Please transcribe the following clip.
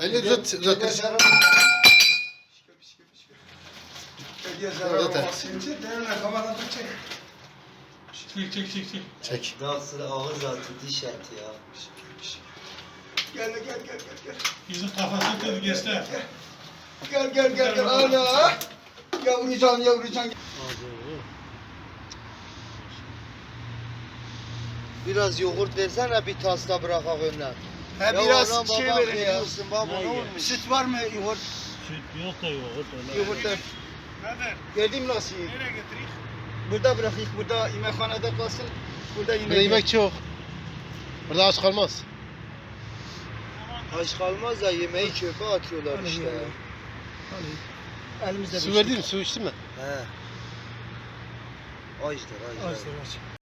Elini uzat. Çek. Daha sıra ağır zaten diş eti ya. Gel. Yüzün kafasını kırdı gençler. Gel. Ana. Yavrucan. Biraz yoğurt versene bir tasla bırakak önüne. He Ya biraz ona şey baba verin ya. veriyorsun baba ne Ne olmuş? Süt var mı yoğurt? Süt yok da yoğurt öyle. Yoğurt da. Nedir? Geldim nasıl? Nereye getireyim? Burada bırakayım. Burada yemekhanede kalsın. Burada Burada yemek çok. Burada aç kalmaz. Aç kalmaz da yemeği çöpe atıyorlar Hani işte ya. ya. Elimizde Su verdin mi? Su içtin mi? He. Açtır. Açtır.